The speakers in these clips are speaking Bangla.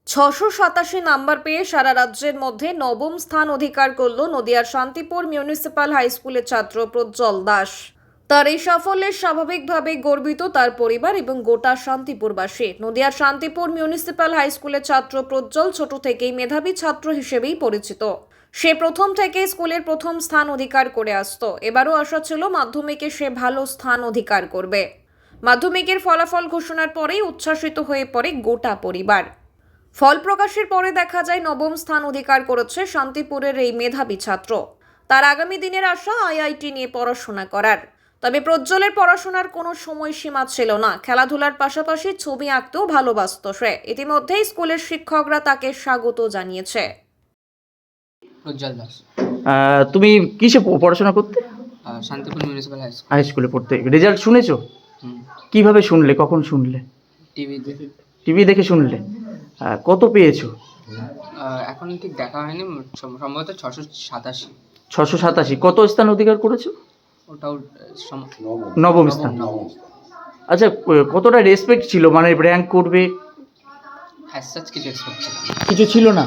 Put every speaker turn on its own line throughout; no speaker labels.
687 নাম্বার পেয়ে সারা রাজ্যের মধ্যে নবম স্থান অধিকার করল নদিয়ার শান্তিপুর মিউনিসিপ্যাল হাই স্কুলের ছাত্র প্রজ্জ্বল দাস। তার এই সাফল্যে স্বাভাবিকভাবেই গর্বিত তার পরিবার এবং গোটা শান্তিপুরবাসী। নদিয়ার শান্তিপুর মিউনিসিপ্যাল হাই স্কুলের ছাত্র প্রজ্জ্বল ছোট থেকেই মেধাবী ছাত্র হিসেবেই পরিচিত। সে প্রথম থেকে স্কুলের প্রথম স্থান অধিকার করে আসতো। এবারও আশা ছিল মাধ্যমিকে সে ভালো স্থান অধিকার করবে। মাধ্যমিকের ফলাফল ঘোষণার পরেই উচ্ছ্বাসিত হয়ে পড়ে গোটা পরিবার। ফল প্রকাশের পরে দেখা যায় নবম স্থান অধিকার করেছে শান্তিপুরের এই মেধাবী ছাত্র। তার আগামী দিনের আশা আইআইটি নিয়ে পড়াশোনা করার। তবে প্রজ্জ্বলের পড়াশোনার কোনো সময়সীমা ছিল না। খেলাধুলার পাশাপাশি ছবি আঁকতেও ভালোবাসত সে। ইতিমধ্যেই স্কুলের শিক্ষকরা তাকে স্বাগত জানিয়েছে।
প্রজ্জ্বল দাস।
তুমি কিসে পড়াশোনা করতে?
Shantipur municipal high school.
High স্কুলে পড়তে। রেজাল্ট শুনেছো? কিভাবে শুনলে, কখন শুনলে?
টিভিতে।
টিভি দেখে শুনলে? কত পেয়েছো?
এখন ঠিক দেখা হয়নি, সম্ভবত 687।
687। কত স্থান অধিকার করেছো?
ওটাও
নবম স্থান। আচ্ছা, কতটা রেসপেক্ট ছিল, মানে র্যাঙ্ক করবে?
অ্যাজ সাচ কিছু এক্সপেক্ট ছিল না।
কিছু ছিল না।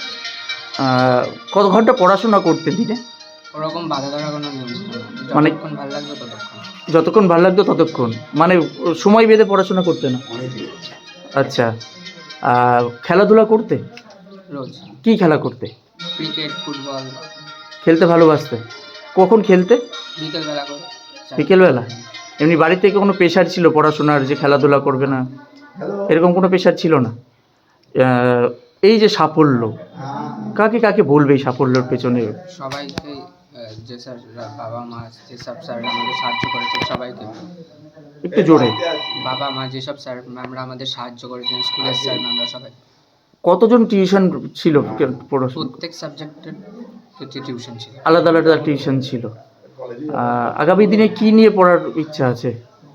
কত ঘন্টা পড়াশোনা করতে দিনে?
ওরকম বাধা ধরা কোনো নিয়ম ছিল না,
মানে
যতক্ষণ ভালো লাগবে ততক্ষণ।
যতক্ষণ ভালো লাগতো ততক্ষণ, মানে সময় বেঁধে পড়াশোনা করতে না? আচ্ছা। খেলাধুলা করতে?
রোজ।
কি খেলা করতে?
Cricket, football.
খেলতে ভালোবাসতে? কখন খেলতে?
বিকেলবেলা করে।
বিকেলবেলা? এমনি বাড়ি থেকে কোনো প্রেশার ছিল পড়াশোনার, যে খেলাধুলা করবে না, এরকম কোনো প্রেশার ছিল না? এই যে সাফল্য, কাকে কাকে বলবে এই সাফল্যের পেছনে?
সবাইকে, যে স্যার, বাবা মা, যেসব স্যার আমাদের সাহায্য করেছেন সবাইকে।
একটু জোরে।
বাবা মা, যেসব স্যার ম্যামরা আমাদের সাহায্য করেছেন, স্কুলের স্যার ম্যামরা সবাই।
কতজন টিউশন ছিল পড়াশোনা?
প্রত্যেক সাবজেক্টের প্রতি টিউশন ছিল।
আলাদা আলাদা টিউশন ছিল। আগামী দিনে কি নিয়ে পড়ার ইচ্ছা আছে?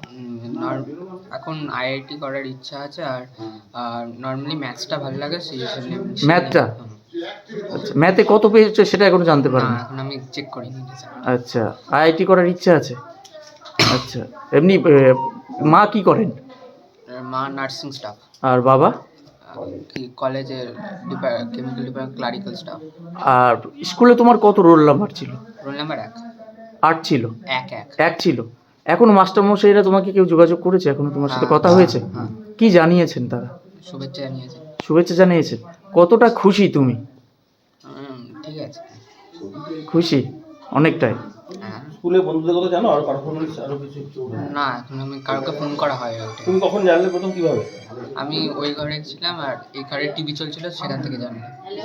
এখন আইআইটি করার ইচ্ছা আছে, আর নর্মালি ম্যাথসটা ভালো লাগে, সেই হিসেবে।
ম্যাথটা? আচ্ছা, ম্যাথে কত পেয়েছো সেটা এখনো জানতে পারো না?
এখন আমি চেক করিনি।
আচ্ছা, আইআইটি করার ইচ্ছা আছে। আচ্ছা, এমনি মা কি করেন?
মা নার্সিং স্টাফ।
আর বাবা?
কি কলেজের কেমিক্যাল ডিপার্টমেন্ট ক্লারিক্যাল স্টাফ।
আর স্কুলে তোমার কত রোল নাম্বার ছিল?
Roll number 1।
8 ছিল?
এক।
এক ছিল। এখনো মাস্টারমশাইরা তোমাকে কেউ যোগাযোগ করেছে? এখনো তোমার সাথে কথা হয়েছে?
হ্যাঁ।
কি জানিয়েছেন তারা?
শুভেচ্ছা জানিয়েছে।
শুভেচ্ছা জানিয়েছেন। কতটা খুশি তুমি?
ঠিক আছে।
খুশি অনেকটাই।
হ্যাঁ।
স্কুলে বন্ধুদের কথা জানো? আর পারফরমেন্স আরো কিছু?
না, এখন আমি কাউকে ফোন করা হয় ওটা।
তুমি কখন জানলে প্রথম, কিভাবে?
আমি ওই ঘরে ছিলাম, আর এই ঘরে টিভি চলছিল, সেখান থেকে জানি।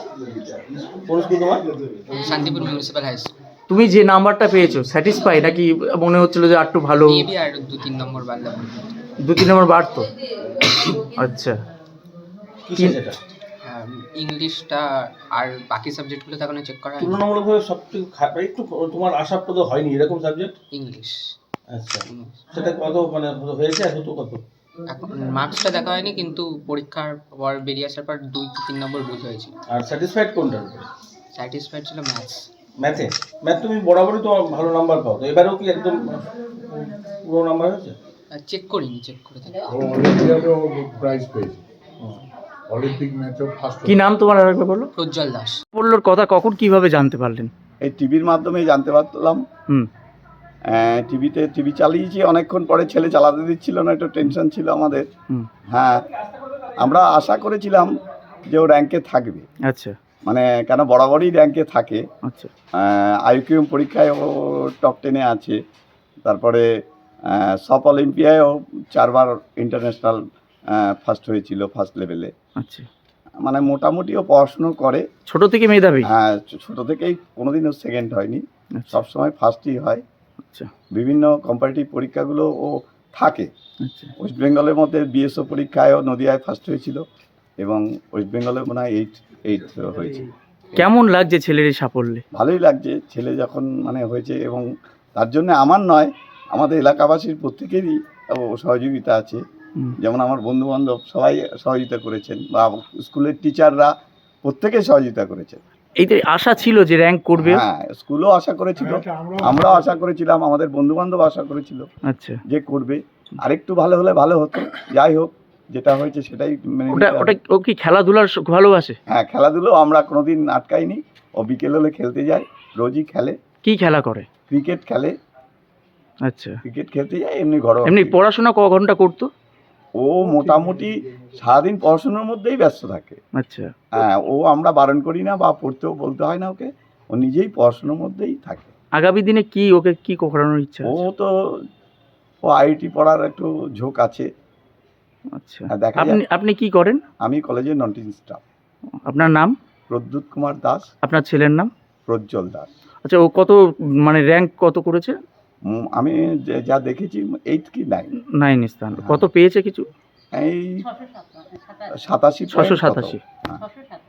কোন স্কুল তোমার?
Shantipur municipal high school.
তুমি যে নাম্বারটা পেয়েছো স্যাটিসফাই, নাকি মনে হচ্ছিল যে একটু ভালো
মেবি আর 2-3 নম্বর বাড়লে?
2-3 নম্বর বাড়তো? আচ্ছা।
কিসে সেটা?
ইংলিশটা আর বাকি সাবজেক্টগুলো তো এখনো চেক করা হয়নি।
তুলনামূলকভাবে সবথেকে একটু তোমার আশাপ্রদ হয়নি এরকম সাবজেক্ট?
ইংলিশ।
আচ্ছা, সেটা কত মানে হয়েছে? কত কত?
এখন মার্কসটা দেখা হয়নি, কিন্তু পরীক্ষার পর বেরিয়ে আসার পর 2-3 নম্বর ভুল হয়েছিল।
আর স্যাটিসফাইড কোনটার?
স্যাটিসফাইড ছিল ম্যাথস।
ম্যাথে? ম্যাথ তুমি বরাবরই তো ভালো নাম্বার পাও, তো এবারেও কি একদম পুরো নাম্বার হয়েছে?
চেক করিনি, চেক করে দেখি।
অলিম্পিয়াডেও প্রাইজ পেয়েছে। অলিম্পিক ম্যাচও ফার্স্ট।
কি নাম তোমার, আরেকবার বলো?
প্রজ্জ্বল দাস।
সাফল্যর কথা কখন কিভাবে জানতে পারলেন?
এই টিভির মাধ্যমেই জানতে পারলাম। টিভি চালিয়েছি, অনেকক্ষণ পরে ছেলে চালাতে দিচ্ছিল না, একটু টেনশন ছিল আমাদের। হ্যাঁ, আমরা আশা করেছিলাম যে ও র্যাঙ্কে থাকবে।
আচ্ছা।
মানে কেন, বরাবরই র্যাঙ্কে থাকে।
আচ্ছা।
আইকিউ পরীক্ষায় ও টপ 10-এ আছে। তারপরে সব অলিম্পিয়ায়ও 4 বার ইন্টারন্যাশনাল ফার্স্ট হয়েছিল, ফার্স্ট লেভেলে।
আচ্ছা,
মানে মোটামুটি ও পড়াশুনো করে।
ছোট থেকে মেধাবী?
হ্যাঁ, ছোটো থেকেই কোনোদিনও সেকেন্ড হয়নি, সবসময় ফার্স্টই হয়।
আচ্ছা।
বিভিন্ন কম্পারেটিভ পরীক্ষাগুলো ও থাকে।
আচ্ছা।
ওয়েস্ট বেঙ্গলের মধ্যে বিএসও পরীক্ষায়ও নদিয়ায় ফার্স্ট হয়েছিল, এবং ওয়েস্ট বেঙ্গলে মনে হয় 8 হয়েছে।
কেমন লাগছে ছেলের এই সাফল্যে?
ভালোই লাগছে, ছেলে যখন মানে হয়েছে, এবং তার জন্য আমার নয়, আমাদের এলাকাবাসীর প্রত্যেকেরই সহযোগিতা আছে। যেমন আমার বন্ধুবান্ধব সবাই সহযোগিতা করেছেন, বা স্কুলের টিচাররা প্রত্যেকে সহযোগিতা করেছেন।
এইটা আশা ছিল যে র্যাঙ্ক করবে?
হ্যাঁ, স্কুলও আশা করেছিল, আমরাও আশা করেছিলাম, আমাদের বন্ধুবান্ধব আশা করেছিল
আচ্ছা,
যে করবে। আরেকটু ভালো হলে ভালো হতো। যাই হোক, যেটা হয়েছে সেটাই মেনে
ওটা
নিতে হবে।
ওটা ও কি খেলাধুলার ভালোবাসে?
হ্যাঁ, খেলাধুলো আমরা কোনোদিন আটকাইনি। ও বিকেল হলে খেলতে যায়, রোজই খেলে।
কি খেলা করে?
ক্রিকেট খেলে,
আচ্ছা,
ক্রিকেট খেলতে যায়, এমনি ঘরোয়া।
এমনি পড়াশোনা ক ঘন্টা করতো?
ও মোটামুটি সারাদিন পড়াশোনার মধ্যেই ব্যস্ত থাকে।
আচ্ছা,
হ্যাঁ, ও আমরা বারণ করি না বা পড়তেও বলতে হয় না ওকে, ও নিজেই পড়াশোনার মধ্যেই থাকে।
আগামী দিনে কি ওকে কি করানোর ইচ্ছা
ও
আছে?
তো ও আইআইটি পড়ার একটু ঝোঁক আছে।
আচ্ছা,
হ্যাঁ, দেখা
আপনি
যাক।
আপনি কি করেন?
আমি কলেজের নন টিচিং স্টাফ।
আপনার নাম?
প্রদ্যুৎ কুমার দাস,
আপনার ছেলের নাম?
প্রজ্জ্বল দাস।
আচ্ছা, ও কত মানে র্যাঙ্ক কত করেছে?
আমি যা দেখেছি 8 কি 9,
9 স্থান। কত পেয়েছে কিছু?
এই 87
687।
হ্যাঁ।